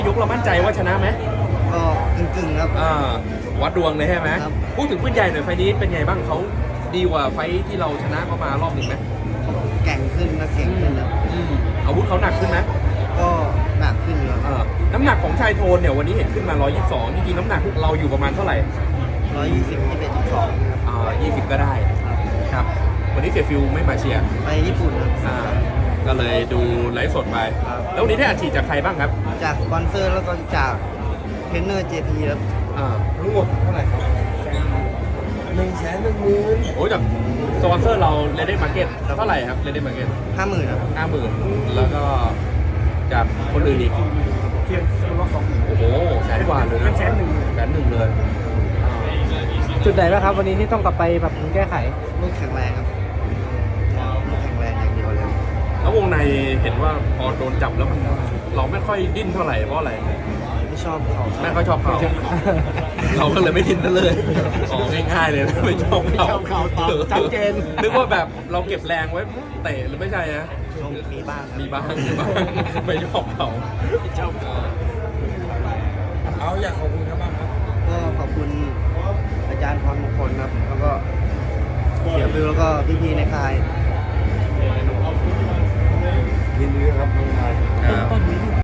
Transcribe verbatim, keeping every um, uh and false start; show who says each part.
Speaker 1: ยกเรามั่นใจว่าชนะไหม
Speaker 2: ก็กึ่งๆครับ
Speaker 1: อ่าวัดดวงเลยใช่ไหม
Speaker 2: ครับ
Speaker 1: พูดถึงปืนใหญ่หน่อยไฟล์นี้เป็นไงบ้างเขาดีกว่าไฟล์ที่เราชนะเขามารอบหนึ่งไหม
Speaker 2: แก่งขึ้นนะเก่งขึ้นนะ
Speaker 1: อืมอาวุธเขาหนักขึ้นไหม
Speaker 2: ก็หนักขึ้นครับ
Speaker 1: เออน้ำหนักของชายโทนเนี่ยวันนี้เห็นขึ้นมาหนึ่งร้อยยี่สิบสองจริงๆน้ำหนักเราอยู่ประมาณเท่าไหร่
Speaker 2: ร้อยยี่สิบยี่สิบเอ็ดยี่สิบสองครับ
Speaker 1: อ่ายี่สิบก็ได้
Speaker 2: ครับ
Speaker 1: ครับวันนี้เสียฟิลไม่มาเชียร์
Speaker 2: ไปญี่ปุ่นครับ
Speaker 1: อ่าก็เลยดูไลฟ์สดไป
Speaker 2: ครับ
Speaker 1: แล้ววันนี้ได้อัดฉีดจากใครบ้างครับ
Speaker 2: จากสปอนเซอร์แล้วก็จากเทรนเนอร์ เจ พี ครับ
Speaker 1: อ่าทั้งหมดเท่าไหร่ครับ
Speaker 2: หนึ่งแสนหนึ่งหมื่น
Speaker 1: โอ้จากสปอนเซอร์เราเลเดนมาร์เก็ตเท่าไหร่ครับเลเดนมาร์เก็ต
Speaker 2: ห้าหมื่นครับ
Speaker 1: ห้าหมื่นแล้วก็จากคนอื่นอีก
Speaker 2: เทียบคนละสองหมื่น
Speaker 1: โอ้โหแสนกว่าเลยนะแสนหนึ่งแสนหนึ่งเลย
Speaker 3: จุดไหนบ้างครับวันนี้ที่ต้องกลับไปปรับปรุงแก้ไข
Speaker 2: ลูกแข็งแรงครับลูกแข็งแรงอย่างเดียวเลย
Speaker 1: แล้ววงในเห็นว่าพอโดนจับแล้วมันเราไม่ค่อยดิ้นเท่าไหร่เพราะอะไร
Speaker 2: ไม่ชอบเขา
Speaker 1: ไม่ค่อยชอบเขาเราก็เลยไม่ดิ้นนั่นเลยอ๋อง่ายๆเลยนะไม่ชอบเขา
Speaker 3: ไม่ชอบเขาตอบชัดเจน
Speaker 1: นึกว่าแบบเราเก็บแรงไว้เตะหรือไม่ใช่นะ
Speaker 2: มีบ้างครับ
Speaker 1: มีบ้างมีบ้างไม่ชอบเขาชอบเอาอยากขอบคุณครับบ้างครับ
Speaker 2: ก็ขอบคุณอาจารย์พรมงคลครับ แล้วก็เสียบิวแล้วก็พี่ๆในค่าย
Speaker 1: ยินดีครับน้องชาย